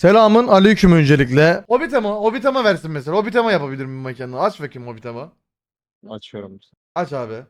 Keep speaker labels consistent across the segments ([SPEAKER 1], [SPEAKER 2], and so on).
[SPEAKER 1] Selamın aleyküm öncelikle. Hobbitama versin mesela. Hobbitama yapabilir miyim mekanını? Aç bakayım Hobbitama.
[SPEAKER 2] Açıyorum.
[SPEAKER 1] Aç abi.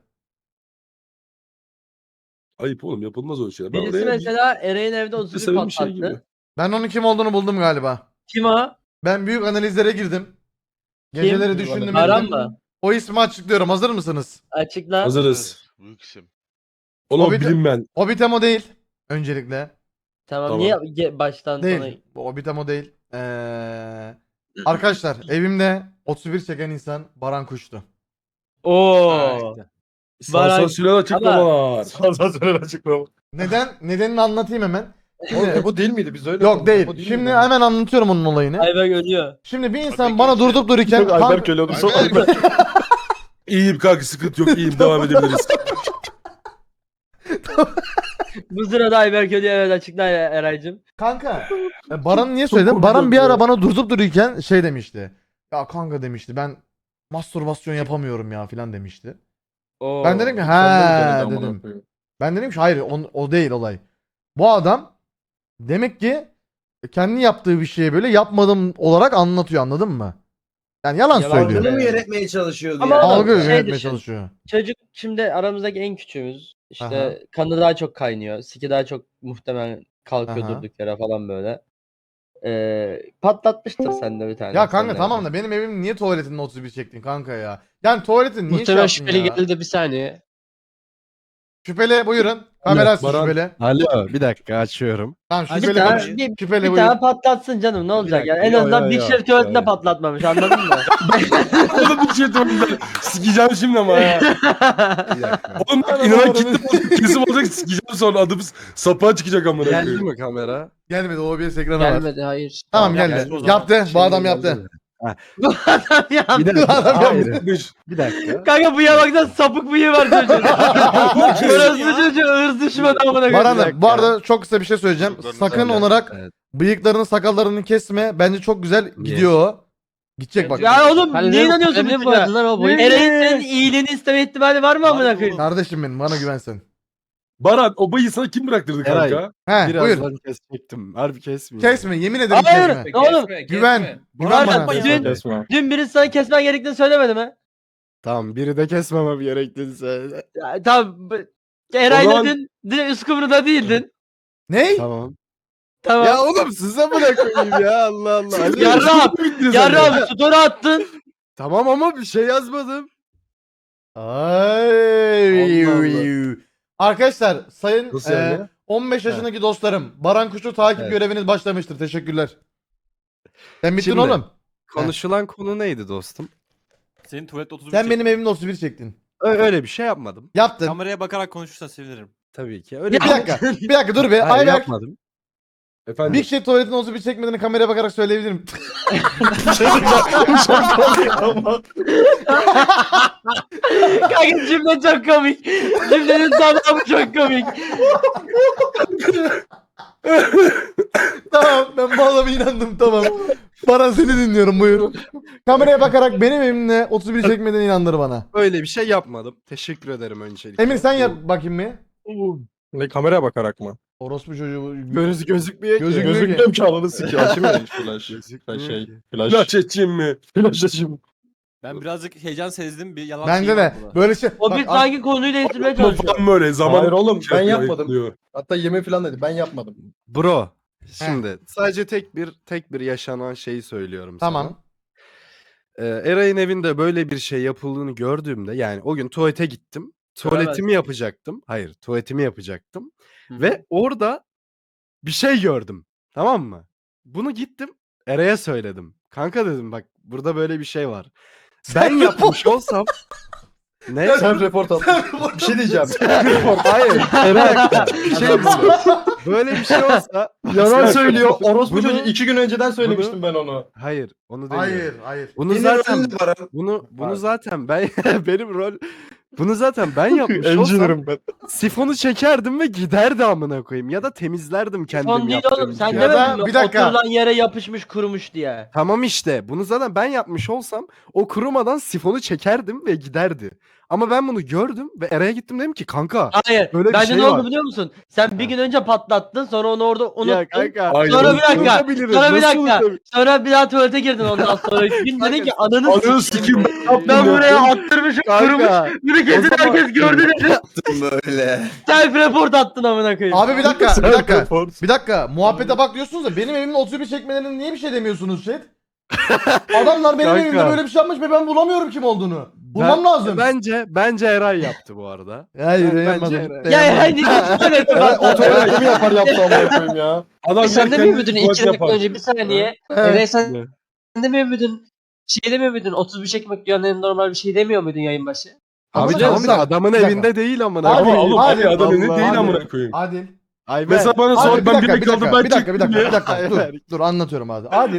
[SPEAKER 3] Ayıp oğlum, yapılmaz o şeyler. Ben
[SPEAKER 4] Birisi
[SPEAKER 3] oraya
[SPEAKER 4] mesela Eren'in evde
[SPEAKER 3] bir
[SPEAKER 4] 31
[SPEAKER 3] seven bir şey gibi.
[SPEAKER 4] patlattı.
[SPEAKER 1] Ben onun kim olduğunu buldum galiba.
[SPEAKER 4] Kim o?
[SPEAKER 1] Ben büyük analizlere girdim. Geceleri düşündüm
[SPEAKER 4] Baran
[SPEAKER 1] ettim.
[SPEAKER 4] mı?
[SPEAKER 1] O ismi açıklıyorum. Hazır mısınız?
[SPEAKER 4] Açıkla.
[SPEAKER 3] Hazırız.
[SPEAKER 5] Büyük isim.
[SPEAKER 3] Oğlum
[SPEAKER 1] Hobbit-
[SPEAKER 3] bilinmeyen.
[SPEAKER 1] Hobbitama değil. Öncelikle.
[SPEAKER 4] Tamam,
[SPEAKER 3] Tamam.
[SPEAKER 4] niye baştan sona...
[SPEAKER 1] Değil. Bu Hobbitama değil. Arkadaşlar evimde 31 çeken insan Baran Kuş'tu.
[SPEAKER 4] Oo. Baran-
[SPEAKER 3] Sansasyonel açıklamalar.
[SPEAKER 2] Sansasyonel açıklama.
[SPEAKER 1] Nedenini anlatayım hemen.
[SPEAKER 2] Oğlum bu değil miydi? Biz öyle
[SPEAKER 1] Yok
[SPEAKER 2] konuştuk.
[SPEAKER 1] değil.
[SPEAKER 2] Bu değil
[SPEAKER 1] Şimdi
[SPEAKER 2] miydi?
[SPEAKER 1] hemen anlatıyorum onun olayını.
[SPEAKER 4] Ayberk ölüyor.
[SPEAKER 1] Şimdi bir insan
[SPEAKER 5] Tabii
[SPEAKER 1] bana
[SPEAKER 5] ki.
[SPEAKER 1] durup dururken
[SPEAKER 2] Yok, Ayberk öyle oldu. Sonra
[SPEAKER 5] Ayberk.
[SPEAKER 2] Ayberk.
[SPEAKER 3] İyiyim kanka, sıkıntı yok, iyiyim, devam edebiliriz.
[SPEAKER 4] Bu sırada Ayberk ölüyor, evet, açıkla Eray'cım.
[SPEAKER 1] Kanka Baran niye
[SPEAKER 2] Çok
[SPEAKER 1] söyledim?
[SPEAKER 2] komik
[SPEAKER 1] Baran bir
[SPEAKER 2] oldu
[SPEAKER 1] ara
[SPEAKER 2] ya.
[SPEAKER 1] bana durup dururken şey demişti. Ya kanka demişti, ben mastürbasyon yapamıyorum ya filan demişti.
[SPEAKER 4] Oo.
[SPEAKER 1] Ben dedim ki
[SPEAKER 2] Sen de
[SPEAKER 1] he
[SPEAKER 2] mi denedin
[SPEAKER 1] dedim.
[SPEAKER 2] amına koyayım?
[SPEAKER 1] Ben dedim ki hayır o değil olay. Bu adam demek ki kendi yaptığı bir şeyi böyle yapmadım olarak anlatıyor, anladın mı? Yani yalan
[SPEAKER 4] Yalan
[SPEAKER 1] söylüyor.
[SPEAKER 4] söylüyor.
[SPEAKER 6] Algını mı yönetmeye çalışıyordu
[SPEAKER 4] Ama
[SPEAKER 6] yani?
[SPEAKER 4] oğlum,
[SPEAKER 1] Algı
[SPEAKER 4] şey
[SPEAKER 1] yönetmeye
[SPEAKER 4] düşün.
[SPEAKER 1] çalışıyor.
[SPEAKER 4] Çocuk şimdi aramızdaki en küçüğümüz. İşte
[SPEAKER 1] Aha.
[SPEAKER 4] kanı daha çok kaynıyor. Siki daha çok muhtemelen kalkıyor
[SPEAKER 1] Aha.
[SPEAKER 4] durduk yere falan böyle. Patlatmıştır sende bir tane.
[SPEAKER 1] Ya kanka
[SPEAKER 4] Sen de.
[SPEAKER 1] tamam da benim evim niye tuvaletinin 31 çektin kanka ya? Yani tuvaletin niye
[SPEAKER 7] Muhtemelen
[SPEAKER 1] şey yaptın
[SPEAKER 7] şüpheli
[SPEAKER 1] ya?
[SPEAKER 7] geldi bir saniye.
[SPEAKER 1] Şüpheli buyurun. Kamera açsın
[SPEAKER 3] Baran.
[SPEAKER 1] şüpheli.
[SPEAKER 7] Alo bir dakika açıyorum.
[SPEAKER 1] Tamam
[SPEAKER 4] Bir
[SPEAKER 1] şüpheli
[SPEAKER 4] tane,
[SPEAKER 1] konuş.
[SPEAKER 4] bir,
[SPEAKER 1] Şüpheli
[SPEAKER 4] bir
[SPEAKER 1] buyur.
[SPEAKER 4] tane patlatsın canım, ne olacak
[SPEAKER 7] dakika,
[SPEAKER 4] yani, en
[SPEAKER 7] yo,
[SPEAKER 4] azından
[SPEAKER 7] yo,
[SPEAKER 4] Big
[SPEAKER 7] yo,
[SPEAKER 4] Chef tuvaletinde
[SPEAKER 7] yo.
[SPEAKER 4] patlatmamış, anladın mı?
[SPEAKER 3] Oğlum bir şey diyeyim. Sikeceğim şimdi ama ya.
[SPEAKER 7] Bir dakika.
[SPEAKER 3] Oğlum bak, inanan kitle bozuk, kesim olacak, sikeceğim sonra adımız sapığa çıkacak amına
[SPEAKER 7] Geldi
[SPEAKER 3] koyayım.
[SPEAKER 7] mi kamera?
[SPEAKER 1] Gelmedi, OBS ekranı var.
[SPEAKER 7] Gelmedi hayır.
[SPEAKER 1] Tamam
[SPEAKER 7] Geldi
[SPEAKER 1] geldi.
[SPEAKER 7] o zaman.
[SPEAKER 1] Yaptı. Bu
[SPEAKER 7] Şimdi
[SPEAKER 1] adam
[SPEAKER 7] geldi.
[SPEAKER 1] yaptı.
[SPEAKER 4] Bu adam ya.
[SPEAKER 7] Bir dakika.
[SPEAKER 1] Adam
[SPEAKER 7] Hayır.
[SPEAKER 3] Beş.
[SPEAKER 7] Bir dakika.
[SPEAKER 4] Kanka bıyığa baksana, sapık bıyığı var çocuğun. Orası çocuğu ırz düşmanı amına koyayım.
[SPEAKER 1] Baran'ım bu arada çok kısa bir şey söyleyeceğim.
[SPEAKER 5] Çocuklarını
[SPEAKER 1] Sakın
[SPEAKER 5] söyle.
[SPEAKER 1] olarak
[SPEAKER 7] Evet.
[SPEAKER 1] bıyıklarını sakallarını kesme. Bence çok güzel gidiyor o. Gidecek bak.
[SPEAKER 4] Ya oğlum
[SPEAKER 7] Hani
[SPEAKER 4] niye
[SPEAKER 7] ne-
[SPEAKER 4] inanıyorsun
[SPEAKER 7] ne
[SPEAKER 4] bu
[SPEAKER 7] bu adılar o boyu?
[SPEAKER 4] Eren'in senin iyiliğini isteme ihtimali var mı amına
[SPEAKER 5] Harbi
[SPEAKER 4] koyayım?
[SPEAKER 1] Kardeşim benim, bana güvensen.
[SPEAKER 3] Baran, o bayı sana kim bıraktırdı
[SPEAKER 7] Eray.
[SPEAKER 3] kanka?
[SPEAKER 1] He buyur.
[SPEAKER 7] Birazdan kesecektim. Harbi kesmiyor.
[SPEAKER 1] Kesme, yemin ederim
[SPEAKER 4] Hayır.
[SPEAKER 1] kesme.
[SPEAKER 4] Ne oğlum?
[SPEAKER 1] Güven. Güven
[SPEAKER 4] Baran,
[SPEAKER 1] bana.
[SPEAKER 4] dün,
[SPEAKER 2] Kesme.
[SPEAKER 4] dün birisi sana kesmen gerektiğini söylemedi mi?
[SPEAKER 7] Tamam biri de kesmemem gerektiğini söyle.
[SPEAKER 4] Ya, tamam. Eray'la
[SPEAKER 3] zaman-
[SPEAKER 4] dün Üsküdar'da değildin.
[SPEAKER 1] Ney?
[SPEAKER 7] Tamam.
[SPEAKER 4] Tamam.
[SPEAKER 7] Ya oğlum size bırakayım ya Allah Allah. Ali.
[SPEAKER 4] Yarrağım story attın.
[SPEAKER 7] Tamam ama bir şey yazmadım.
[SPEAKER 1] Ay.
[SPEAKER 7] Allah
[SPEAKER 1] Arkadaşlar sayın
[SPEAKER 3] Nasıl yani?
[SPEAKER 1] 15 yaşındaki dostlarım, Baran Kuş'u takip
[SPEAKER 7] Evet.
[SPEAKER 1] göreviniz başlamıştır. Teşekkürler. Sen bittin
[SPEAKER 7] Şimdi-
[SPEAKER 1] oğlum.
[SPEAKER 7] Konuşulan konu neydi dostum?
[SPEAKER 8] Senin tuvalette 31
[SPEAKER 1] Sen benim evimde 31 çektin.
[SPEAKER 7] Öyle bir şey yapmadım.
[SPEAKER 1] Yaptın.
[SPEAKER 8] Kameraya bakarak konuşursan sevinirim.
[SPEAKER 7] Tabii ki. Öyle
[SPEAKER 1] Bir dakika. Bir dakika dur be.
[SPEAKER 7] Hayır,
[SPEAKER 1] Ayberk.
[SPEAKER 7] yapmadım.
[SPEAKER 3] Efendim.
[SPEAKER 1] Big Shit tuvaletin 31 çekmediğini kameraya bakarak söyleyebilirim.
[SPEAKER 4] Kanka cümle çok komik. Cümlenin tamamı çok komik.
[SPEAKER 1] Tamam, ben bu adama inandım, tamam. Baran seni dinliyorum, buyur. Kameraya bakarak benim evimde 31 çekmediğine inandır bana.
[SPEAKER 7] Öyle bir şey yapmadım. Teşekkür ederim öncelikle.
[SPEAKER 1] Emir sen yap bakayım bir.
[SPEAKER 2] Ne kameraya bakarak mı?
[SPEAKER 1] Orospu çocuğu.
[SPEAKER 7] Gözükmüyor ki.
[SPEAKER 1] Gözükmüyor ki.
[SPEAKER 2] Gözükmüyorum ki ananı sikiyor. Açayım flash.
[SPEAKER 7] Gözükmüyor ki.
[SPEAKER 3] Flash edeceğim mi?
[SPEAKER 2] Flash açayım.
[SPEAKER 8] Ben birazcık heyecan sezdim, bir yalan
[SPEAKER 1] Bence
[SPEAKER 8] şeyim
[SPEAKER 1] de
[SPEAKER 8] var burada.
[SPEAKER 1] böyle şey.
[SPEAKER 4] O
[SPEAKER 1] Bak,
[SPEAKER 4] bir sanki konuyu değiştirmeye
[SPEAKER 3] Ama
[SPEAKER 4] çalışıyor.
[SPEAKER 3] falan böyle zaman.
[SPEAKER 2] Hayır oğlum, ben
[SPEAKER 3] Şey
[SPEAKER 2] yapmadım.
[SPEAKER 3] ayıklıyor.
[SPEAKER 2] Hatta yeme falan dedi. Ben yapmadım.
[SPEAKER 7] Bro. Şimdi sadece tek bir yaşanan şeyi söylüyorum
[SPEAKER 1] Tamam.
[SPEAKER 7] sana. Eray'ın evinde böyle bir şey yapıldığını gördüğümde yani o gün tuvalete gittim. Tuvaletimi yapacaktım. Hayır, tuvaletimi yapacaktım. Ve orada bir şey gördüm. Tamam mı? Bunu gittim Eray'a söyledim. Kanka dedim bak burada böyle bir şey var. Ben yapmış olsam ne?
[SPEAKER 2] Sen report al. Bir şey diyeceğim.
[SPEAKER 7] Hayır. Eray bir şey diyeceğim. Böyle bir şey olsa
[SPEAKER 2] Yalan söylüyor. Orospu
[SPEAKER 7] Bunu-
[SPEAKER 2] çocuğu 2 gün önceden söylemiştim ben onu.
[SPEAKER 7] hayır onu demiyorum.
[SPEAKER 1] Hayır, hayır.
[SPEAKER 7] Bunu zaten bunu zaten ben benim rol bunu zaten ben yapmış olsam
[SPEAKER 2] Engineer'ım ben.
[SPEAKER 7] sifonu çekerdim ve giderdi amına koyayım ya da temizlerdim kendim
[SPEAKER 4] Son değil
[SPEAKER 7] yaptığım
[SPEAKER 4] oğlum, sen
[SPEAKER 7] gibi.
[SPEAKER 1] Ya da
[SPEAKER 4] demedin mi?
[SPEAKER 1] bir dakika.
[SPEAKER 4] Oturulan yere yapışmış kurumuş diye.
[SPEAKER 7] Tamam işte bunu zaten ben yapmış olsam o kurumadan sifonu çekerdim ve giderdi. Ama ben bunu gördüm ve Eray'a gittim dedim ki kanka.
[SPEAKER 4] Hayır.
[SPEAKER 7] Böyle bir
[SPEAKER 4] Bence
[SPEAKER 7] şey
[SPEAKER 4] ne oldu
[SPEAKER 7] var.
[SPEAKER 4] biliyor musun? Sen bir gün önce patlattın, sonra onu orada unuttun.
[SPEAKER 7] Ya kanka.
[SPEAKER 3] Hayır,
[SPEAKER 4] Sonra bir
[SPEAKER 3] nasıl
[SPEAKER 4] dakika.
[SPEAKER 7] unutabiliriz,
[SPEAKER 4] Sonra bir
[SPEAKER 7] nasıl
[SPEAKER 4] dakika.
[SPEAKER 7] unutabiliriz?
[SPEAKER 4] Sonra bir daha tuvalete girdin ondan sonra. Gün dedin ki ananı
[SPEAKER 3] Ananı
[SPEAKER 4] sikeyim.
[SPEAKER 3] sikeyim.
[SPEAKER 4] Ben buraya attırmışım, kırmış.
[SPEAKER 7] Kanka.
[SPEAKER 4] Bunu kesin
[SPEAKER 7] O zaman-
[SPEAKER 4] herkes gördü dedi.
[SPEAKER 5] Böyle.
[SPEAKER 4] Self report attın amına koyayım.
[SPEAKER 1] Abi bir dakika. Bir dakika. Muhabbete bak diyorsunuz da benim evimin 31 çekmelerine niye bir şey demiyorsunuz chat? Adamlar benim
[SPEAKER 7] Kanka.
[SPEAKER 1] evimde böyle bir şey yapmış ve ben bulamıyorum kim olduğunu. Bulmam lazım.
[SPEAKER 7] Bence Eray yaptı bu arada.
[SPEAKER 1] Hayır
[SPEAKER 7] Bence
[SPEAKER 1] yapmadım.
[SPEAKER 7] Eray.
[SPEAKER 4] Ya hani tuvalete
[SPEAKER 2] Evet, o
[SPEAKER 4] bak.
[SPEAKER 2] tuvaleti mi yapar yaptı amına koyayım ya.
[SPEAKER 3] Adam
[SPEAKER 6] Sen de mi
[SPEAKER 3] kendi
[SPEAKER 6] ümidin
[SPEAKER 3] tuvalet
[SPEAKER 6] 2 dakika
[SPEAKER 3] yapar.
[SPEAKER 6] önce bir saniye?
[SPEAKER 1] Evet.
[SPEAKER 6] Eray sen de mi ümidin? Şey demiyor muydun? 31 çekmek dünyanın en normal bir şey demiyor muydun yayın başı?
[SPEAKER 7] Abi
[SPEAKER 1] Tamam,
[SPEAKER 7] tamam
[SPEAKER 1] bir
[SPEAKER 7] da
[SPEAKER 1] dakika,
[SPEAKER 7] adamın
[SPEAKER 1] bir dakika.
[SPEAKER 7] evinde değil amına.
[SPEAKER 1] Abi,
[SPEAKER 3] Ama oğlum
[SPEAKER 1] Hadi,
[SPEAKER 3] abi adamın
[SPEAKER 7] Allah,
[SPEAKER 3] değil
[SPEAKER 1] hadi.
[SPEAKER 3] amına koyayım.
[SPEAKER 1] Adil.
[SPEAKER 7] Ayber.
[SPEAKER 3] Mesela bana
[SPEAKER 1] Adil,
[SPEAKER 3] sor
[SPEAKER 1] bir
[SPEAKER 3] ben
[SPEAKER 1] dakika,
[SPEAKER 3] bir
[SPEAKER 1] bir dakika,
[SPEAKER 3] ben
[SPEAKER 1] bir dakika, bir dakika, bir dakika.
[SPEAKER 7] Ayber.
[SPEAKER 1] Dur anlatıyorum abi. Adil.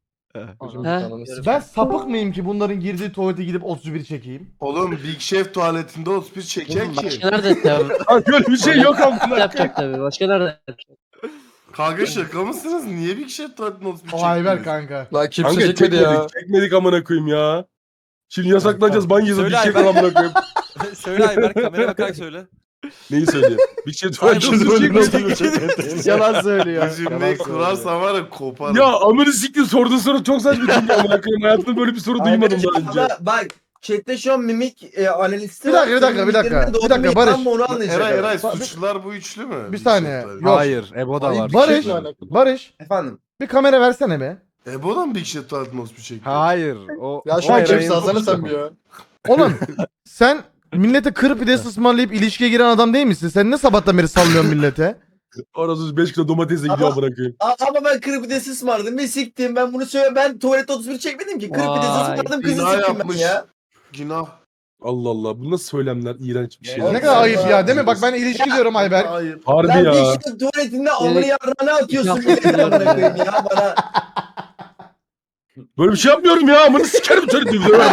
[SPEAKER 6] Ha?
[SPEAKER 1] Ben sapık mıyım ki bunların girdiği tuvalete gidip 31 çekeyim?
[SPEAKER 5] Oğlum Big Chef tuvaletinde 31 çeker ki.
[SPEAKER 6] Başka nerede tabii?
[SPEAKER 3] Böyle bir şey yok amına.
[SPEAKER 6] Yapacak tabii. Başka nerede yapacak?
[SPEAKER 5] Kanka şaka mısınız? Niye Big Chef tuvaletinde 31
[SPEAKER 1] O
[SPEAKER 5] çektiniz?
[SPEAKER 1] Ayber kanka.
[SPEAKER 2] Lan kimse
[SPEAKER 3] Kanka
[SPEAKER 2] çekmedi ya.
[SPEAKER 3] çekmedik amına koyayım ya. Şimdi yasaklanacağız ban yazıp bir
[SPEAKER 8] Söyle
[SPEAKER 3] şey
[SPEAKER 8] Ayber.
[SPEAKER 3] amına koyayım.
[SPEAKER 8] Söyle Ayber kameraya bakarak söyle.
[SPEAKER 3] Neyi söyleyeyim? Bir şey
[SPEAKER 8] Aynen,
[SPEAKER 3] söyleyeyim.
[SPEAKER 7] Yalan söylüyor.
[SPEAKER 5] Bu cümleyi kurarsan var ya koparım.
[SPEAKER 3] Ya amını siktir sorduğun soru çok saçma çünkü amına koyayım. Hayatımda böyle bir soru duymadım daha önce.
[SPEAKER 9] Ama bak chatte şu an mimik analisti
[SPEAKER 1] Bir dakika, bir dakika, bir dakika. Bir dakika, Barış.
[SPEAKER 9] Onu anlayacak.
[SPEAKER 5] Eray suçlular bu üçlü mü?
[SPEAKER 1] Bir saniye.
[SPEAKER 5] Big Chef tuvaleti.
[SPEAKER 1] Yok.
[SPEAKER 7] Hayır. Ebo da
[SPEAKER 2] Ay,
[SPEAKER 7] var.
[SPEAKER 2] bir
[SPEAKER 1] Barış.
[SPEAKER 2] şey mi alakalı?
[SPEAKER 1] Barış.
[SPEAKER 9] Efendim.
[SPEAKER 1] Bir kamera versene be.
[SPEAKER 5] Ebo'dan mı Big Chef tuvaletinde 31 çekti?
[SPEAKER 7] Hayır. O
[SPEAKER 2] Ya
[SPEAKER 7] o
[SPEAKER 2] şu an
[SPEAKER 7] Eray'ın
[SPEAKER 2] kimse alsana
[SPEAKER 7] suçu.
[SPEAKER 2] sen bir ya.
[SPEAKER 1] Oğlum sen millete kır pidesi ısmarlayıp ilişkiye giren adam değil misin? Sen ne sabahtan beri sallıyorsun millete?
[SPEAKER 3] Orası 5 kilo domatesle gidiyor amına koyayım.
[SPEAKER 9] Ama ben kırık pidesi ısmarladım ve siktim. Ben bunu söyle ben tuvalette 31 çekmedim ki. Kırık pidesi
[SPEAKER 6] Vay,
[SPEAKER 9] ısmarladım kızı
[SPEAKER 5] Günah
[SPEAKER 9] siktim ben
[SPEAKER 5] yapmış.
[SPEAKER 9] ya.
[SPEAKER 5] Günah.
[SPEAKER 3] Allah Allah bu nasıl söylemler iğrenç bir şey.
[SPEAKER 9] Ya,
[SPEAKER 1] Ne kadar ayıp ya değil mi? Bak ben ilişki diyorum Ayber.
[SPEAKER 5] Hayır.
[SPEAKER 3] Harbi
[SPEAKER 9] Lan
[SPEAKER 3] ya.
[SPEAKER 9] bir işte tuvaletinde amını
[SPEAKER 6] Gerek-
[SPEAKER 9] yarrağına atıyorsun
[SPEAKER 6] Yapma
[SPEAKER 9] milletin
[SPEAKER 6] ya.
[SPEAKER 9] amına koyayım ya bana.
[SPEAKER 3] Böyle bir şey yapmıyorum ya amını sikerim seni diyor.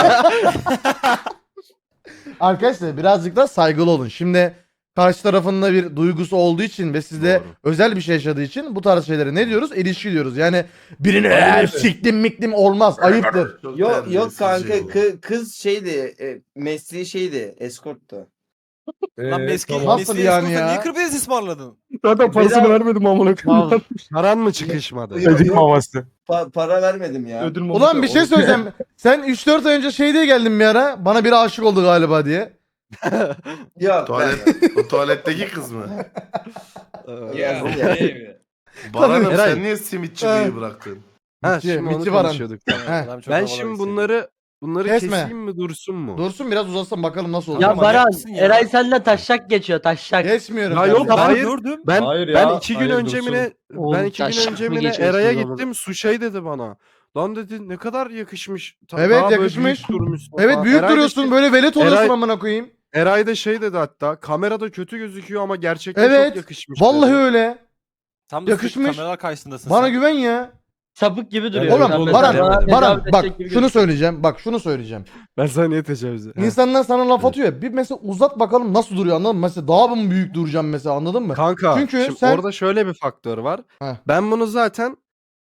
[SPEAKER 1] Arkadaşlar birazcık da saygılı olun. Şimdi karşı tarafında bir duygusu olduğu için ve sizde
[SPEAKER 7] Doğru.
[SPEAKER 1] özel bir şey yaşadığı için bu tarz şeylere ne diyoruz? İlişki diyoruz. Yani birini
[SPEAKER 3] Aynen öyle.
[SPEAKER 1] siktim miktim olmaz. Ayıptır.
[SPEAKER 5] Çok
[SPEAKER 9] Yok
[SPEAKER 5] terbiyesiz
[SPEAKER 9] kanka
[SPEAKER 5] şey bu.
[SPEAKER 9] kız şeydi mesleği şeydi eskorttu.
[SPEAKER 8] Lan meski
[SPEAKER 3] tamam.
[SPEAKER 1] Nasıl yani ya?
[SPEAKER 8] Niye kırpidesi ısmarladın?
[SPEAKER 3] Zaten parasını vermedim amına koyayım.
[SPEAKER 7] Tamam. Paran mı çıkışmadı?
[SPEAKER 9] Yok,
[SPEAKER 3] Ödül
[SPEAKER 9] yok.
[SPEAKER 3] maması.
[SPEAKER 9] Para vermedim ya.
[SPEAKER 2] Ödül
[SPEAKER 1] Ulan bir şey söyleyeceğim. Sen 3-4 ay önce şey diye geldin bir ara. Bana biri aşık oldu galiba diye.
[SPEAKER 9] Yok
[SPEAKER 5] O tuvaletteki kız mı?
[SPEAKER 9] Ya.
[SPEAKER 5] Baran'ım
[SPEAKER 7] Eray.
[SPEAKER 5] sen niye simitçiliği bıraktın?
[SPEAKER 7] Ha
[SPEAKER 1] Mitçi,
[SPEAKER 7] şimdi onu
[SPEAKER 1] Mitçi Baran.
[SPEAKER 7] konuşuyorduk.
[SPEAKER 1] Heh.
[SPEAKER 8] Adam çok
[SPEAKER 7] Ben
[SPEAKER 8] havalı
[SPEAKER 7] şimdi
[SPEAKER 8] bir
[SPEAKER 7] bunları
[SPEAKER 1] Kesme.
[SPEAKER 7] keseyim mi dursun mu?
[SPEAKER 1] Dursun biraz uzasın bakalım nasıl olacak.
[SPEAKER 4] Ya
[SPEAKER 8] Ama
[SPEAKER 4] Baran,
[SPEAKER 8] yapsın ya.
[SPEAKER 4] Eray senden taşşak geçiyor taşşak.
[SPEAKER 1] Geçmiyorum.
[SPEAKER 7] Ya
[SPEAKER 1] ben
[SPEAKER 7] yok,
[SPEAKER 1] de.
[SPEAKER 7] hayır.
[SPEAKER 8] gördüm.
[SPEAKER 7] Ben
[SPEAKER 2] Hayır ya,
[SPEAKER 7] ben 2 gün
[SPEAKER 2] hayır,
[SPEAKER 7] önce
[SPEAKER 2] dursun.
[SPEAKER 7] mi ne
[SPEAKER 6] Oğlum,
[SPEAKER 7] ben 2 gün
[SPEAKER 6] taşak
[SPEAKER 7] önce
[SPEAKER 6] mı
[SPEAKER 7] mi ne
[SPEAKER 6] geçiyorsun
[SPEAKER 7] Eray'a
[SPEAKER 6] o zaman?
[SPEAKER 7] gittim su şey dedi bana. Lan dedi ne kadar yakışmış.
[SPEAKER 1] Evet,
[SPEAKER 7] Daha böyle
[SPEAKER 1] yakışmış.
[SPEAKER 7] büyük durmuşsun
[SPEAKER 1] Evet
[SPEAKER 7] falan.
[SPEAKER 1] büyük
[SPEAKER 7] Eray da
[SPEAKER 1] duruyorsun
[SPEAKER 7] şey-
[SPEAKER 1] böyle velet oluyorsun
[SPEAKER 7] Eray-
[SPEAKER 1] amına koyayım.
[SPEAKER 7] Eray da şey dedi hatta kamerada kötü gözüküyor ama gerçekten
[SPEAKER 1] Evet,
[SPEAKER 7] çok yakışmış.
[SPEAKER 1] Vallahi
[SPEAKER 7] dedi.
[SPEAKER 1] öyle.
[SPEAKER 8] Tam da
[SPEAKER 1] Yakışmış.
[SPEAKER 8] kameralar karşısındasın
[SPEAKER 1] Bana
[SPEAKER 8] sen.
[SPEAKER 1] güven ya.
[SPEAKER 4] Sapık gibi duruyor.
[SPEAKER 1] Oğlum
[SPEAKER 4] Sen
[SPEAKER 7] oğlum,
[SPEAKER 4] mesela
[SPEAKER 1] Baran,
[SPEAKER 4] bana
[SPEAKER 1] Baran
[SPEAKER 4] tecavüz
[SPEAKER 1] bak
[SPEAKER 4] edecek gibi
[SPEAKER 1] şunu
[SPEAKER 4] gözüküyor.
[SPEAKER 1] söyleyeceğim. Bak şunu söyleyeceğim.
[SPEAKER 7] Ben sana niye tecavüz ettim?
[SPEAKER 1] İnsanlar sana laf atıyor ya. Bir mesela uzat bakalım nasıl duruyor anladın mı? Mesela daha mı büyük duracağım mesela anladın mı?
[SPEAKER 7] Kanka
[SPEAKER 1] Çünkü
[SPEAKER 7] şimdi
[SPEAKER 1] sen-
[SPEAKER 7] orada şöyle bir faktör var.
[SPEAKER 1] Heh.
[SPEAKER 7] Ben bunu zaten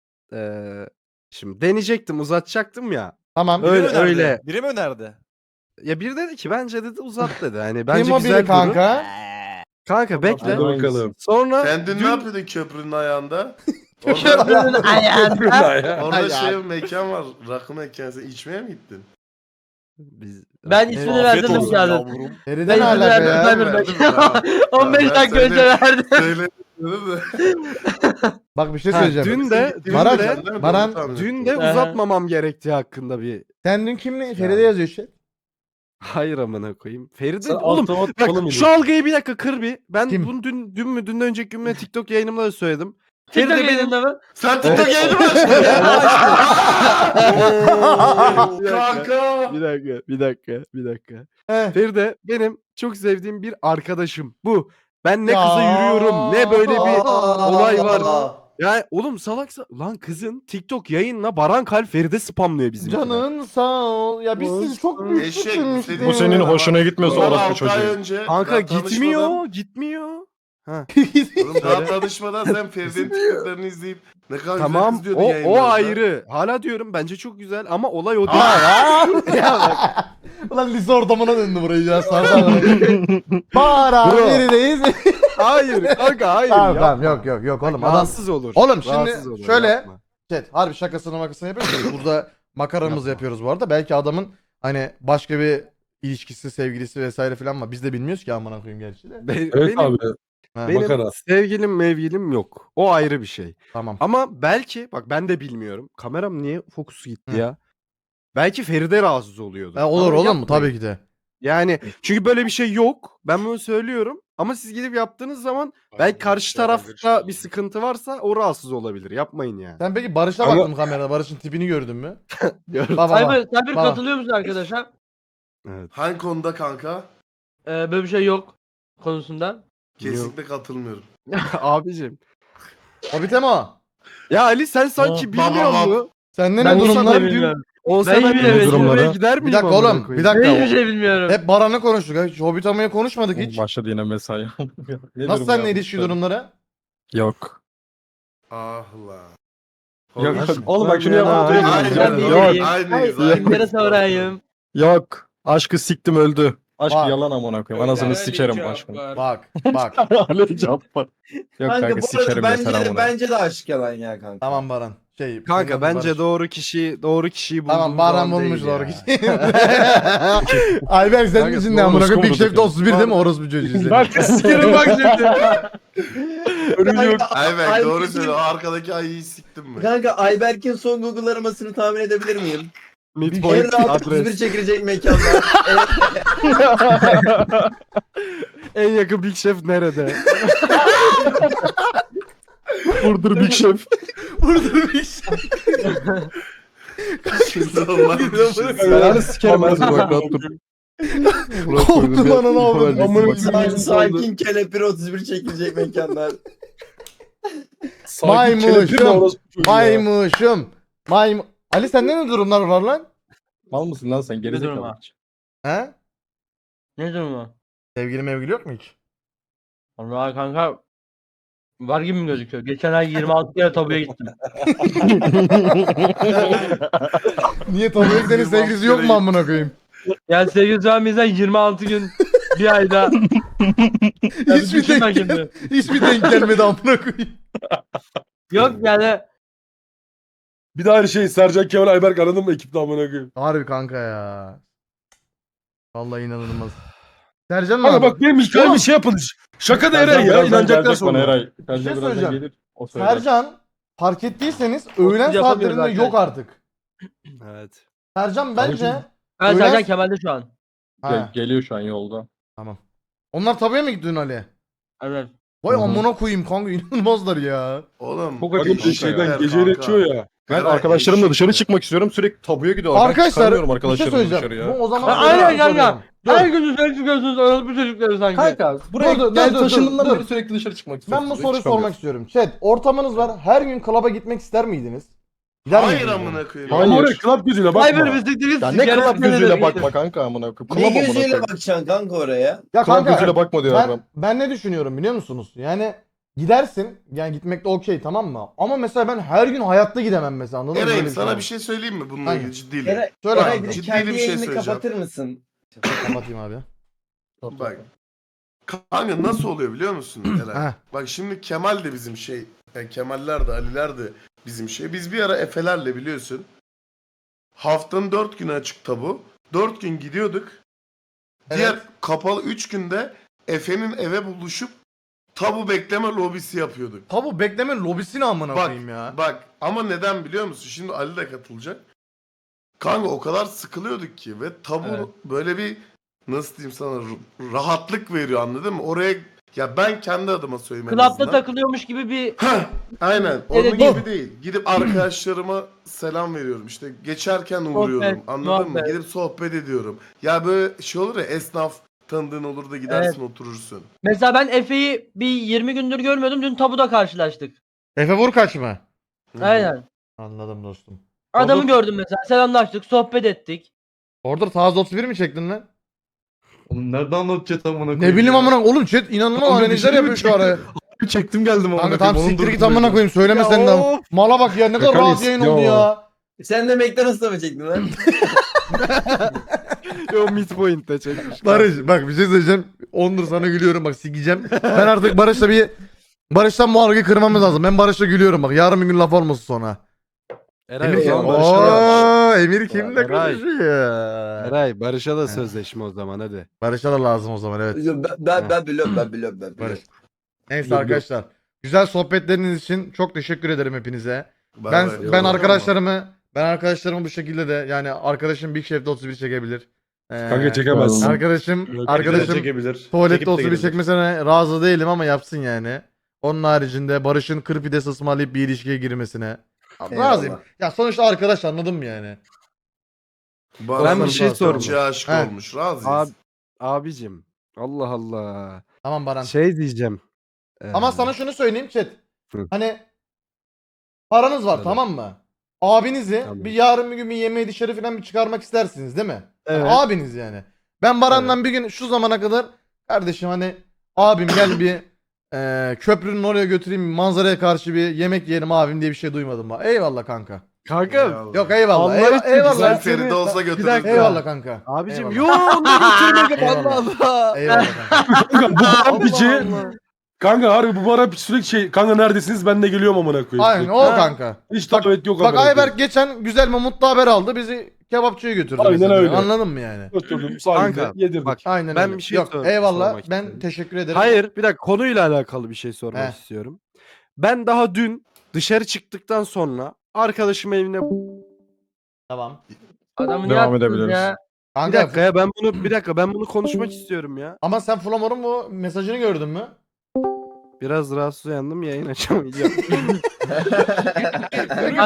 [SPEAKER 7] şimdi deneyecektim uzatacaktım ya.
[SPEAKER 1] Tamam.
[SPEAKER 8] Biri
[SPEAKER 7] Öyle-
[SPEAKER 8] mi önerdi?
[SPEAKER 7] öyle.
[SPEAKER 8] Biri mi önerdi?
[SPEAKER 7] Ya biri dedi ki bence dedi uzat dedi. Hani
[SPEAKER 1] Kim
[SPEAKER 7] bence
[SPEAKER 1] o
[SPEAKER 7] güzel
[SPEAKER 1] biri
[SPEAKER 7] durur.
[SPEAKER 1] kanka?
[SPEAKER 7] Kanka bekle.
[SPEAKER 3] Hadi bakalım.
[SPEAKER 7] Sonra
[SPEAKER 5] Sen dün
[SPEAKER 7] dün-
[SPEAKER 5] ne yapıyordun köprünün ayağında?
[SPEAKER 4] Köprünün ayağında.
[SPEAKER 5] Orada şey mekan var. Rakı mekanı. Sen içmeye mi gittin?
[SPEAKER 7] Biz-
[SPEAKER 4] Ben
[SPEAKER 7] Evet.
[SPEAKER 4] ismini verdim
[SPEAKER 8] olsun
[SPEAKER 4] geldim.
[SPEAKER 8] yavrum.
[SPEAKER 1] Feride
[SPEAKER 4] Ben
[SPEAKER 1] ne
[SPEAKER 4] izin
[SPEAKER 1] alaka
[SPEAKER 4] verdim,
[SPEAKER 1] ya?
[SPEAKER 4] verdim.
[SPEAKER 5] Verdim ya.
[SPEAKER 4] 15
[SPEAKER 5] Ben
[SPEAKER 4] dakika önce
[SPEAKER 5] söyle-
[SPEAKER 4] verdim.
[SPEAKER 5] Söyledim de.
[SPEAKER 1] Bak bir şey
[SPEAKER 7] Ha,
[SPEAKER 1] söyleyeceğim.
[SPEAKER 7] dün de
[SPEAKER 1] Baran-
[SPEAKER 5] Baran,
[SPEAKER 1] Baran-
[SPEAKER 7] dün de
[SPEAKER 4] Aha.
[SPEAKER 7] uzatmamam gerektiği hakkında bir
[SPEAKER 1] Sen dün kimle? Feride yazıyor işte.
[SPEAKER 7] hayır amına koyayım. Feride
[SPEAKER 3] Sen
[SPEAKER 7] oğlum
[SPEAKER 3] altıma
[SPEAKER 7] bak
[SPEAKER 3] oğlum
[SPEAKER 7] şu algıyı bir dakika kır bir. Ben
[SPEAKER 1] Kim?
[SPEAKER 7] bunu dünden önceki gün mü TikTok yayınımda da söyledim.
[SPEAKER 4] TikTok
[SPEAKER 7] Feride benim
[SPEAKER 4] yayınında mı?
[SPEAKER 5] Sen TikTok yayını mı açtın? Kanka.
[SPEAKER 7] bir dakika.
[SPEAKER 1] He.
[SPEAKER 7] Feride benim çok sevdiğim bir arkadaşım. Bu. Ben ne
[SPEAKER 1] Ya.
[SPEAKER 7] kıza yürüyorum ne böyle bir olay var.
[SPEAKER 9] Aa.
[SPEAKER 7] Ya oğlum salaksa lan kızın TikTok yayınla Baran Kalp Feride spamlıyor bizim.
[SPEAKER 1] Canın sağ ol. Ya biz sizi çok büyük
[SPEAKER 5] Eşek,
[SPEAKER 1] küçülmüştük.
[SPEAKER 2] Bu senin hoşuna gitmiyorsa
[SPEAKER 5] Sonra
[SPEAKER 2] orospu
[SPEAKER 5] 6 ay
[SPEAKER 2] çocuğu.
[SPEAKER 5] önce.
[SPEAKER 7] Kanka
[SPEAKER 5] daha
[SPEAKER 7] gitmiyor. Ha.
[SPEAKER 5] Oğlum daha tanışmadan sen Feride'nin TikTok'larını izleyip ne kadar
[SPEAKER 7] Tamam
[SPEAKER 5] güzel izliyordun
[SPEAKER 7] o
[SPEAKER 5] yayınlarda.
[SPEAKER 7] ayrı. Hala diyorum bence çok güzel ama olay o değil.
[SPEAKER 1] Aa, ya. Ya bak. Ulan lise ortamına döndü burayı ya. Sardan. Para
[SPEAKER 7] Bro.
[SPEAKER 1] neredeyiz?
[SPEAKER 7] Hayır kanka hayır.
[SPEAKER 1] Tamam
[SPEAKER 7] yapma.
[SPEAKER 1] tamam yok oğlum adam.
[SPEAKER 7] Rahatsız olur.
[SPEAKER 1] Oğlum şimdi
[SPEAKER 7] Rahatsız olur,
[SPEAKER 1] şöyle-
[SPEAKER 7] yapma.
[SPEAKER 1] Evet, harbi şakasını yapıyoruz. Burada makaramızı yapıyoruz bu arada. Belki adamın hani başka bir ilişkisi, sevgilisi vesaire falan var. Biz de bilmiyoruz ki amına koyayım gerçi de.
[SPEAKER 3] Evet
[SPEAKER 7] benim,
[SPEAKER 3] abi.
[SPEAKER 1] Ha,
[SPEAKER 7] benim
[SPEAKER 3] makara.
[SPEAKER 7] sevgilim mevgilim yok. O ayrı bir şey.
[SPEAKER 1] Tamam.
[SPEAKER 7] Ama belki bak ben de bilmiyorum. Kameram niye fokusu gitti
[SPEAKER 1] Hı.
[SPEAKER 7] ya? Belki Feride rahatsız oluyordu.
[SPEAKER 1] Olur
[SPEAKER 7] Ama
[SPEAKER 1] oğlum
[SPEAKER 7] yapmayın.
[SPEAKER 1] tabii ki de.
[SPEAKER 7] Yani çünkü böyle bir şey yok. Ben bunu söylüyorum. Ama siz gidip yaptığınız zaman belki karşı tarafta bir sıkıntı varsa o rahatsız olabilir. Yapmayın yani.
[SPEAKER 1] Sen peki Barış'a
[SPEAKER 3] Ama-
[SPEAKER 1] baktın kamerada. Barış'ın tipini gördün mü?
[SPEAKER 7] Gördüm.
[SPEAKER 1] Baba bak.
[SPEAKER 6] Cyber
[SPEAKER 1] Baba.
[SPEAKER 6] katılıyor musun arkadaşa?
[SPEAKER 7] Evet.
[SPEAKER 5] Hangi konuda kanka?
[SPEAKER 6] Böyle bir şey yok konusunda.
[SPEAKER 5] Kesinlikle katılmıyorum.
[SPEAKER 7] Abicim.
[SPEAKER 1] Hobbit'e mi o?
[SPEAKER 7] Ya Ali sen sanki
[SPEAKER 5] Baba,
[SPEAKER 7] bilmiyor
[SPEAKER 5] baba.
[SPEAKER 7] musun?
[SPEAKER 1] Sende
[SPEAKER 6] Ben
[SPEAKER 1] ne
[SPEAKER 6] olsam
[SPEAKER 1] durumlar?
[SPEAKER 6] da bilmiyorum.
[SPEAKER 7] Olsa
[SPEAKER 6] Ben
[SPEAKER 7] ben
[SPEAKER 6] yine
[SPEAKER 7] de
[SPEAKER 6] bilmiyorum.
[SPEAKER 7] durumlara gider miyim?
[SPEAKER 1] Bir dakika
[SPEAKER 7] amına
[SPEAKER 1] oğlum.
[SPEAKER 7] koyayım?
[SPEAKER 1] Bir dakika.
[SPEAKER 6] Ben hiçbir şey bilmiyorum.
[SPEAKER 1] Hep Baran'ı konuştuk. Hiç Hobbit amaya konuşmadık hiç.
[SPEAKER 2] Başladı yine mesai.
[SPEAKER 1] Nasıl seninle ilişki durumları?
[SPEAKER 2] Yok.
[SPEAKER 5] Ah lan.
[SPEAKER 2] Yok.
[SPEAKER 5] Hobbit.
[SPEAKER 2] Oğlum bak şunu
[SPEAKER 7] Ya,
[SPEAKER 2] yapalım.
[SPEAKER 7] aynen.
[SPEAKER 5] Aynen.
[SPEAKER 6] Yok.
[SPEAKER 5] Aynıyız.
[SPEAKER 6] Kimlere sorayım?
[SPEAKER 2] Yok. Aşkı siktim öldü. Aşk
[SPEAKER 1] Bak.
[SPEAKER 2] yalan amına koyayım. Anasını sikerim aşkını.
[SPEAKER 1] Bak.
[SPEAKER 2] Ali Cabbar. Yok
[SPEAKER 9] Kanka
[SPEAKER 2] kanka
[SPEAKER 9] bu
[SPEAKER 2] sikerim
[SPEAKER 9] arada
[SPEAKER 2] yeter amına.
[SPEAKER 9] bence de aşık yalan ya kanka.
[SPEAKER 1] Tamam Baran.
[SPEAKER 7] Kanka bence
[SPEAKER 1] Barış.
[SPEAKER 7] doğru kişiyi bulduğum
[SPEAKER 1] Tamam Baran
[SPEAKER 7] zaman
[SPEAKER 1] bulmuş
[SPEAKER 7] değil
[SPEAKER 1] doğru
[SPEAKER 7] ya.
[SPEAKER 1] kişiyi. Ayberk sen
[SPEAKER 7] Kanka,
[SPEAKER 1] misin ne amına koyayım? Big
[SPEAKER 2] orospu
[SPEAKER 1] Chef'te 31 değil mi? Orospu çocuğu seni.
[SPEAKER 3] Sikerim bak şimdi.
[SPEAKER 5] Ayberk doğru
[SPEAKER 9] Ayberk'in-
[SPEAKER 5] söylüyor. O arkadaki ayıyı siktim mi?
[SPEAKER 9] Kanka Ayberk'in son Google aramasını tahmin edebilir miyim?
[SPEAKER 7] Midpoint
[SPEAKER 9] En rahat 31
[SPEAKER 7] adres.
[SPEAKER 9] çekilecek mekanlar.
[SPEAKER 7] En yakın Big Chef nerede?
[SPEAKER 2] Vurdur Big Chef. Yani sikerim az bak rahat dur.
[SPEAKER 1] Korktum lan onu avradım.
[SPEAKER 9] Sakin kelepir 31 çekilecek mekanlar.
[SPEAKER 1] Maymuşum. Ali sende ne durumlar var lan?
[SPEAKER 2] Mal mısın lan sen
[SPEAKER 6] Ne
[SPEAKER 2] gerizekalı.
[SPEAKER 6] durum var?
[SPEAKER 1] He?
[SPEAKER 6] Ne durumu?
[SPEAKER 1] Sevgili mevgili yok mu hiç?
[SPEAKER 6] Vallahi kanka var gibi mi gözüküyor? Geçen ay 26 kere tabuya gittim.
[SPEAKER 1] Niye tabii senin sevgilisi yok mu amına koyayım?
[SPEAKER 6] Yani sevgili şu an bizden 26 gün bir ayda.
[SPEAKER 1] Hiçbir hiçbir denk gelmedi amına koyayım.
[SPEAKER 6] Yok yani
[SPEAKER 3] Bir daha her şey Sercan Kemal Ayberk anladın mı ekipte amına koyayım.
[SPEAKER 1] Harbi kanka ya. Vallahi inanılmaz. Sercan
[SPEAKER 3] Kanka
[SPEAKER 1] abi.
[SPEAKER 3] bak benim hikayem bir şey yapın. Şaka da Eren ya inanacaklar sonra.
[SPEAKER 2] Eray.
[SPEAKER 1] şey
[SPEAKER 2] Sercan birazdan
[SPEAKER 1] söyleyeceğim.
[SPEAKER 2] gelir. O söyler.
[SPEAKER 1] Sercan fark ettiyseniz öğlen
[SPEAKER 6] yapamıyoruz
[SPEAKER 1] saatlerinde yok
[SPEAKER 6] arkadaşlar.
[SPEAKER 1] artık.
[SPEAKER 7] Evet.
[SPEAKER 1] Sercan bence
[SPEAKER 6] ben
[SPEAKER 1] Öyle-
[SPEAKER 6] Sercan Kemal'de şu an.
[SPEAKER 1] ha,
[SPEAKER 2] Geliyor şu an yolda.
[SPEAKER 1] tamam. Onlar tabuya mı gittin Ali?
[SPEAKER 6] Evet.
[SPEAKER 1] Vay
[SPEAKER 2] Hı hı.
[SPEAKER 1] amına koyayım kanka inanılmazlar ya.
[SPEAKER 5] Oğlum.
[SPEAKER 2] Çok
[SPEAKER 3] Bakın
[SPEAKER 2] acayip
[SPEAKER 3] şeyden
[SPEAKER 5] kanka.
[SPEAKER 3] geceyle içiyor ya.
[SPEAKER 2] Ben
[SPEAKER 5] Eray,
[SPEAKER 2] arkadaşlarımla
[SPEAKER 5] eşek
[SPEAKER 2] dışarı
[SPEAKER 5] ya.
[SPEAKER 2] çıkmak istiyorum. Sürekli tabuya gidiyorlar. Ben
[SPEAKER 1] Arkadaşlar
[SPEAKER 2] çıkarmıyorum
[SPEAKER 1] bir şey
[SPEAKER 2] arkadaşlarımla dışarı
[SPEAKER 1] söyleyeceğim.
[SPEAKER 2] ya.
[SPEAKER 1] Bu o zaman
[SPEAKER 6] Aynen kanka.
[SPEAKER 1] Dur.
[SPEAKER 6] Her gün dışarı çıkıyorsunuz orospu çocukları sanki.
[SPEAKER 2] Kanka buraya
[SPEAKER 1] Dur,
[SPEAKER 2] gel
[SPEAKER 1] dur,
[SPEAKER 2] taşındığımdan
[SPEAKER 1] dur.
[SPEAKER 2] beri sürekli dışarı çıkmak istiyorum.
[SPEAKER 1] Ben bu soruyu sormak istiyorum. Chat ortamınız var. Her gün klaba gitmek ister miydiniz?
[SPEAKER 5] Hayır
[SPEAKER 1] miydiniz?
[SPEAKER 5] amına koyayım.
[SPEAKER 2] Hayır.
[SPEAKER 3] Ama oraya club gözüyle bakma.
[SPEAKER 6] Cyber bisikletiniz
[SPEAKER 2] Ya ne club gözüyle bakma kanka amına koyayım.
[SPEAKER 9] Ne
[SPEAKER 2] Club amına
[SPEAKER 9] gözüyle
[SPEAKER 2] koyayım.
[SPEAKER 9] bakacaksın kanka oraya?
[SPEAKER 1] Ya
[SPEAKER 2] Club
[SPEAKER 1] kanka
[SPEAKER 2] gözüyle bakma diyor adam.
[SPEAKER 1] ben ne düşünüyorum biliyor musunuz? Yani gidersin yani gitmek de okey tamam mı? Ama mesela ben her gün hayatta gidemem mesela anladın mı? Böyle
[SPEAKER 5] Eren
[SPEAKER 1] bir
[SPEAKER 5] sana
[SPEAKER 1] var.
[SPEAKER 5] bir şey söyleyeyim mi bununla
[SPEAKER 1] Hangi?
[SPEAKER 5] ilgili ciddiyle?
[SPEAKER 9] Eray,
[SPEAKER 1] Söyle
[SPEAKER 9] Eray
[SPEAKER 1] kanka.
[SPEAKER 9] bir de
[SPEAKER 5] Ciddi
[SPEAKER 9] kendi
[SPEAKER 5] bir şey
[SPEAKER 9] yayını
[SPEAKER 5] söyleyeceğim.
[SPEAKER 9] kapatır mısın?
[SPEAKER 1] Kapatayım abi.
[SPEAKER 5] Bak. Kanka nasıl oluyor biliyor musun Eren?
[SPEAKER 1] Heh.
[SPEAKER 5] Bak şimdi Kemal de bizim şey. Yani Kemaller de Aliler de bizim şey. Biz bir ara Efe'lerle biliyorsun. Haftanın 4 günü açık tabu. 4 gün gidiyorduk. Diğer
[SPEAKER 1] Evet.
[SPEAKER 5] kapalı 3 günde Efe'nin eve buluşup tabu bekleme lobisi yapıyorduk.
[SPEAKER 1] Tabu bekleme lobisini amına
[SPEAKER 5] Bak,
[SPEAKER 1] koyayım ya.
[SPEAKER 5] bak ama neden biliyor musun? Şimdi Ali de katılacak. Kanka o kadar sıkılıyorduk ki ve tabu
[SPEAKER 1] Evet.
[SPEAKER 5] böyle bir nasıl diyeyim sana rahatlık veriyor anladın mı? Oraya ya ben kendi adıma söyleyeyim en
[SPEAKER 6] Klapta
[SPEAKER 5] azından.
[SPEAKER 6] takılıyormuş gibi bir
[SPEAKER 5] Heh, aynen. Onun
[SPEAKER 6] Evet.
[SPEAKER 5] gibi değil. Gidip arkadaşlarıma selam veriyorum. İşte geçerken uğruyorum.
[SPEAKER 6] Sohbet,
[SPEAKER 5] Anladın mı?
[SPEAKER 6] muhabbet.
[SPEAKER 5] Gidip sohbet ediyorum. Ya böyle şey olur ya esnaf tanıdığın olur da gidersin oturursun.
[SPEAKER 6] Mesela ben Efe'yi bir 20 gündür görmüyordum. Dün tabuda karşılaştık.
[SPEAKER 1] Efe vur kaç mı?
[SPEAKER 5] Hı.
[SPEAKER 6] Aynen.
[SPEAKER 1] Anladım dostum.
[SPEAKER 6] Adamı
[SPEAKER 1] Orada-
[SPEAKER 6] gördüm mesela. Selamlaştık, sohbet ettik.
[SPEAKER 1] Orada taze 31 mi çektin lan?
[SPEAKER 2] Oğlum nerede anlatacağız amına koyayım?
[SPEAKER 1] Ne bileyim amına oğlum chat inanılmaz
[SPEAKER 2] Kanka,
[SPEAKER 1] analizler
[SPEAKER 2] bir şey mi
[SPEAKER 1] yapıyor şu ara.
[SPEAKER 2] Çektim geldim amına
[SPEAKER 1] Kanka
[SPEAKER 2] koyayım.
[SPEAKER 1] tamam
[SPEAKER 2] Onun
[SPEAKER 1] siktir git
[SPEAKER 2] durumunu
[SPEAKER 1] amına koyayım söyleme
[SPEAKER 7] Ya
[SPEAKER 1] sen de.
[SPEAKER 7] of.
[SPEAKER 1] Mala bak ya ne kadar
[SPEAKER 2] Şaka
[SPEAKER 1] rahat yayın oldu
[SPEAKER 2] istiyor.
[SPEAKER 1] ya.
[SPEAKER 9] Sen de McDonald's'ta mı çektin lan?
[SPEAKER 7] O midpoint'te çekmiş.
[SPEAKER 1] Barış bak bir şey söyleyeceğim. Ondur sana gülüyorum bak sikeceğim. Ben artık Barış'tan bu algıyı kırmamız lazım. Ben Barış'la gülüyorum bak. Yarın bir gün laf olmasın sonra.
[SPEAKER 7] Eray,
[SPEAKER 1] Emir
[SPEAKER 7] o
[SPEAKER 1] kim?
[SPEAKER 7] zaman Barış'a da,
[SPEAKER 1] Emir kimle
[SPEAKER 7] Eray.
[SPEAKER 1] konuşuyor?
[SPEAKER 7] Eray, Barış'a da sözleşme o zaman hadi.
[SPEAKER 1] Barış'a da lazım o zaman evet.
[SPEAKER 9] Ben biliyorum.
[SPEAKER 1] Barış. Neyse
[SPEAKER 3] Yok, yok.
[SPEAKER 1] arkadaşlar. Güzel sohbetleriniz için çok teşekkür ederim hepinize.
[SPEAKER 5] Bay
[SPEAKER 1] Ben
[SPEAKER 5] bay.
[SPEAKER 1] ben arkadaşlarımı bu şekilde de yani arkadaşım Big Chef'te 31 çekebilir.
[SPEAKER 3] Kanka çekemezsin.
[SPEAKER 1] Arkadaşım
[SPEAKER 2] çekebilir.
[SPEAKER 1] tuvalette 31 çekmesine razı değilim ama yapsın yani. Onun haricinde Barış'ın kır pidesi ısmarlayıp bir ilişkiye girmesine razıyım. Ya sonuçta arkadaş anladın mı yani?
[SPEAKER 7] Ben bir şey sorayım.
[SPEAKER 5] Çok aşık
[SPEAKER 1] He.
[SPEAKER 5] olmuş. Razıyız.
[SPEAKER 7] Abicim. Allah Allah.
[SPEAKER 1] Tamam Baran.
[SPEAKER 7] Şey diyeceğim.
[SPEAKER 1] Ama sana şunu söyleyeyim chat.
[SPEAKER 7] Hı.
[SPEAKER 1] Hani paranız var
[SPEAKER 7] Tabii.
[SPEAKER 1] tamam mı? Abinizi
[SPEAKER 7] Tamam.
[SPEAKER 1] bir yarın bir gün bir yemeğe dışarı falan bir çıkarmak istersiniz değil mi? Hani
[SPEAKER 7] Evet.
[SPEAKER 1] abiniz yani. Ben Baran'dan bir gün şu zamana kadar kardeşim hani abim gel bir köprünün oraya götüreyim manzaraya karşı bir yemek yiyelim abim diye bir şey duymadım bak. Eyvallah kanka.
[SPEAKER 7] Kanka.
[SPEAKER 1] Yok eyvallah.
[SPEAKER 7] Allah
[SPEAKER 1] Eyvallah.
[SPEAKER 7] için
[SPEAKER 1] eyvallah.
[SPEAKER 5] Güzel
[SPEAKER 7] seni-
[SPEAKER 5] Feride olsa
[SPEAKER 7] Bir
[SPEAKER 5] götürür.
[SPEAKER 7] dakika.
[SPEAKER 1] Eyvallah kanka.
[SPEAKER 7] Abicim
[SPEAKER 1] Eyvallah.
[SPEAKER 7] yo onu götürmedim
[SPEAKER 1] Eyvallah.
[SPEAKER 7] Allah Allah.
[SPEAKER 1] Eyvallah kanka.
[SPEAKER 3] Kanka bu Baran
[SPEAKER 7] Allah
[SPEAKER 3] piçi.
[SPEAKER 7] Allah.
[SPEAKER 3] Kanka harbi bu Baran piçi sürekli şey. Kanka neredesiniz ben de geliyorum amına koyayım.
[SPEAKER 1] Aynen o
[SPEAKER 3] Ha,
[SPEAKER 1] kanka.
[SPEAKER 3] Hiç davet yok
[SPEAKER 1] Bak
[SPEAKER 3] amına koyayım.
[SPEAKER 1] Ayberk geçen güzel ve mutlu haber aldı. Bizi kebapçıya götürdü.
[SPEAKER 3] Aynen
[SPEAKER 1] mesela.
[SPEAKER 3] öyle.
[SPEAKER 1] Anladın mı yani?
[SPEAKER 3] Oturdum sahilde
[SPEAKER 7] Kanka,
[SPEAKER 3] yedirdik.
[SPEAKER 7] bak
[SPEAKER 1] Aynen
[SPEAKER 7] ben
[SPEAKER 1] öyle.
[SPEAKER 7] bir şey
[SPEAKER 1] Yok
[SPEAKER 7] sormak
[SPEAKER 1] eyvallah. Ben
[SPEAKER 7] istiyorum.
[SPEAKER 1] teşekkür ederim.
[SPEAKER 7] Hayır bir dakika konuyla alakalı bir şey sormak
[SPEAKER 1] Heh.
[SPEAKER 7] istiyorum. Ben daha dün dışarı çıktıktan sonra arkadaşım evine
[SPEAKER 1] Tamam.
[SPEAKER 6] Adamı ne
[SPEAKER 2] Devam
[SPEAKER 6] yaptınız
[SPEAKER 2] edebiliriz.
[SPEAKER 6] ya?
[SPEAKER 7] bir
[SPEAKER 1] Kanka
[SPEAKER 7] dakika ya ben bunu konuşmak istiyorum ya.
[SPEAKER 1] ama sen Flamor'un bu mesajını gördün mü?
[SPEAKER 7] Biraz rahatsız uyandım yayın açamayacağım.